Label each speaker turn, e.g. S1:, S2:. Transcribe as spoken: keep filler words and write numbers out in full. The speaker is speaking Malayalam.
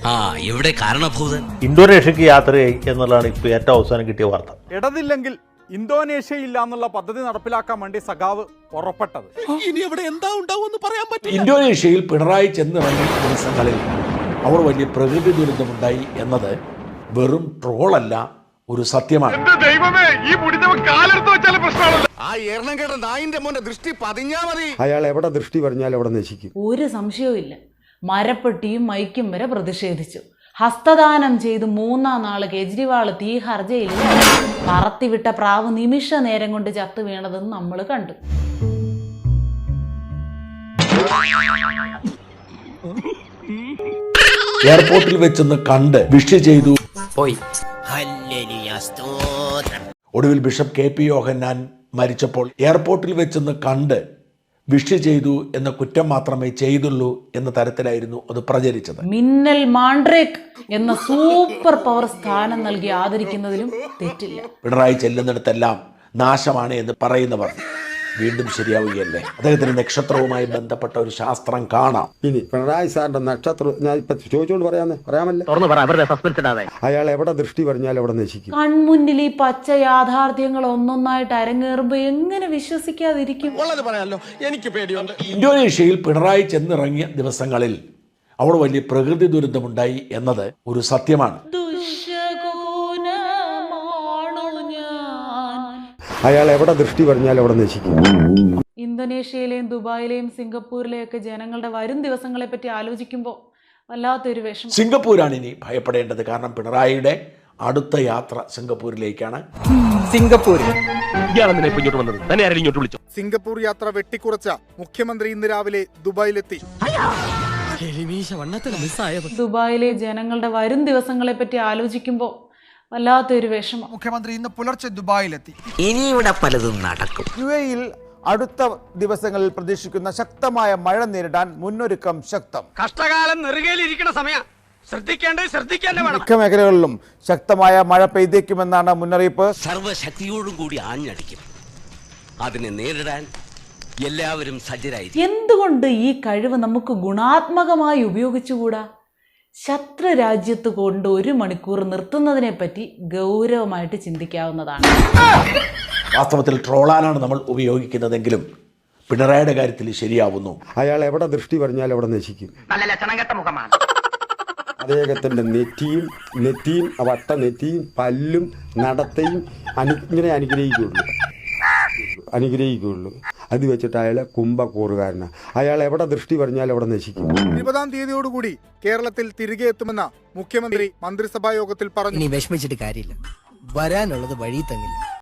S1: ആ ഇവിടെ കാരണഭൂതൻ
S2: ഇന്തോനേഷ്യക്ക് യാത്രയായി എന്നുള്ളതാണ് ഇപ്പോൾ ഏറ്റവും അവസാനം കിട്ടിയ വാർത്ത.
S3: ഇടതില്ലെങ്കിൽ ഇന്തോനേഷ്യയില്ല എന്നുള്ള പദ്ധതി നടപ്പിലാക്കാൻ വേണ്ടി സഖാവ് പുറപ്പെട്ടത്.
S1: ഇനി അവിടെ എന്താ ഉണ്ടാവുമെന്ന് പറയാൻ പറ്റില്ല.
S4: ഇന്തോനേഷ്യയിൽ പിണറായി ചെന്നിറങ്ങിയ ദിവസങ്ങളിൽ അവർ വലിയ പ്രകൃതി ദുരന്തമുണ്ടായി എന്നത് വെറും ട്രോളല്ല, ഒരു സത്യമാണ്.
S1: ആ എണ്ണം കേട്ട നായിന്റെ മോന്റെ ദൃഷ്ടി പതിഞ്ഞാ മതി.
S5: അയാൾ എവിടെ ദൃഷ്ടി പറഞ്ഞാൽ അവിടെ നശിക്കും.
S6: ഒരു സംശയവും ഇല്ല. മരപ്പെട്ടിയും മൈക്കും വരെ പ്രതിഷേധിച്ചു. ഹസ്തദാനം ചെയ്ത് മൂന്നാം നാള് കേജ്രിവാൾ തീഹാർ ജയിലിൽ പറത്തിവിട്ട പ്രാവ് നിമിഷ നേരം കൊണ്ട് ചത്തു വീണതെന്ന് നമ്മൾ കണ്ടു.
S4: എയർപോർട്ടിൽ വെച്ചൊന്ന് കണ്ട് വിഷ് ചെയ്തു
S1: പോയി.
S4: ഒടുവിൽ ബിഷപ്പ് കെ പി യോഹന്നാൻ മരിച്ചപ്പോൾ എയർപോർട്ടിൽ വെച്ചൊന്ന് കണ്ട് വിഷ് ചെയ്തു എന്ന കുറ്റം മാത്രമേ ചെയ്തുള്ളൂ എന്ന തരത്തിലായിരുന്നു അത് പ്രചരിച്ചത്.
S6: മിന്നൽ മാൻഡ്രേക്ക് എന്ന സൂപ്പർ പവർ സ്ഥാനം നൽകി ആദരിക്കുന്നതിലും തെറ്റില്ല.
S4: പിണറായി ചെല്ലുന്നിടത്തെല്ലാം നാശമാണ് എന്ന് പറയുന്നവർ വീണ്ടും ശരിയാവുകയല്ലേ? അദ്ദേഹത്തിന് നക്ഷത്രവുമായി ബന്ധപ്പെട്ട ഒരു ശാസ്ത്രം കാണാം.
S5: ഇനി പിണറായി സാറിന്റെ നക്ഷത്രം ഞാൻ ഇപ്പൊ ചോദിച്ചുകൊണ്ട് പറയാന്ന് പറയാമല്ലോ. അയാൾ എവിടെ ദൃഷ്ടി പറഞ്ഞാൽ അവിടെ നശിക്കും.
S6: കൺമുന്നിൽ ഈ പച്ച യാഥാർത്ഥ്യങ്ങൾ ഒന്നൊന്നായിട്ട് അരങ്ങേറുമ്പോ എങ്ങനെ വിശ്വസിക്കാതിരിക്കും?
S1: എനിക്ക് പേടിയുണ്ട്.
S4: ഇന്തോനേഷ്യയിൽ പിണറായി ചെന്നിറങ്ങിയ ദിവസങ്ങളിൽ അവിടെ വലിയ പ്രകൃതി ദുരന്തമുണ്ടായി എന്നത് ഒരു സത്യമാണ്.
S5: അയാൾ എവിടെ ദൃഷ്ടി പറഞ്ഞാൽ അവിടെ നശിക്കും.
S6: ഇന്തോനേഷ്യയിലെയും ദുബായിലെയും സിംഗപ്പൂരിലെയും ഒക്കെ ജനങ്ങളുടെ വരും ദിവസങ്ങളെ പറ്റി ആലോചിക്കുമ്പോൾ വല്ലാത്തൊരു വിഷമം.
S4: സിംഗപ്പൂരാണ് ഇനി ഭയപ്പെടേണ്ടത്. കാരണം പിണറായിയുടെ അടുത്ത യാത്ര സിംഗപ്പൂരിലേക്കാണ്.
S3: സിംഗപ്പൂർ യാത്ര വെട്ടിക്കുറച്ച മുഖ്യമന്ത്രി ഇന്ന് രാവിലെ ദുബായിലെത്തി.
S6: ദുബായിലെ ജനങ്ങളുടെ വരും ദിവസങ്ങളെ പറ്റി ആലോചിക്കുമ്പോൾ വല്ലാത്തൊരു വിഷമം.
S7: മുഖ്യമന്ത്രി ഇന്ന് പുലർച്ചെ ദുബായിലെത്തി.
S1: ഇനി ഇവിടെ പലതും നടക്കും.
S7: യു എയിൽ അടുത്ത ദിവസങ്ങളിൽ പ്രതീക്ഷിക്കുന്ന ശക്തമായ മഴ നേരിടാൻ മുന്നൊരുക്കം ശക്തം.
S1: കഷ്ടകാലം നെറുകയിലിരിക്കുന്ന സമയം ശ്രദ്ധിക്കേണ്ടത് ശ്രദ്ധിക്കേണ്ട വേണം.
S7: മിക്ക മേഖലകളിലും ശക്തമായ മഴ പെയ്തേക്കുമെന്നാണ് മുന്നറിയിപ്പ്.
S1: സർവശക്തിയോടും കൂടി ആഞ്ഞടിക്കും. അതിനെ നേരിടാൻ എല്ലാവരും സജ്ജരായിരിക്കും.
S6: എന്തുകൊണ്ട് ഈ കഴിവ് നമുക്ക് ഗുണാത്മകമായി ഉപയോഗിച്ചുകൂടാ? ശത്രു രാജ്യത്ത് കൊണ്ട് ഒരു മണിക്കൂർ നിർത്തുന്നതിനെ പറ്റി ഗൗരവമായിട്ട് ചിന്തിക്കാവുന്നതാണ്.
S4: വാസ്തവത്തിൽ ട്രോളാനാണ് നമ്മൾ ഉപയോഗിക്കുന്നതെങ്കിലും പിണറായിയുടെ കാര്യത്തിൽ ശരിയാവുന്നു.
S5: അയാൾ എവിടെ ദൃഷ്ടി പറഞ്ഞാൽ അവിടെ നശിക്കും. അദ്ദേഹത്തിന്റെ നെറ്റിയും നെറ്റിയും വട്ട നെറ്റിയും പല്ലും നടത്തയും അനു ഇങ്ങനെ അനുഗ്രഹിക്കുള്ളൂ അനുഗ്രഹിക്കുള്ളൂ അത് വെച്ചിട്ട് അയാളെ കുംഭക്കൂറുകാരനാണ്. അയാൾ എവിടെ ദൃഷ്ടി പറഞ്ഞാൽ അവിടെ നശിക്കും.
S3: ഇരുപതാം തീയതിയോടുകൂടി കേരളത്തിൽ തിരികെ എത്തുമെന്ന മുഖ്യമന്ത്രി മന്ത്രിസഭാ യോഗത്തിൽ പറഞ്ഞു.
S8: വിഷമിച്ചിട്ട് കാര്യമില്ല, വരാനുള്ളത് വഴി തങ്ങില്ല.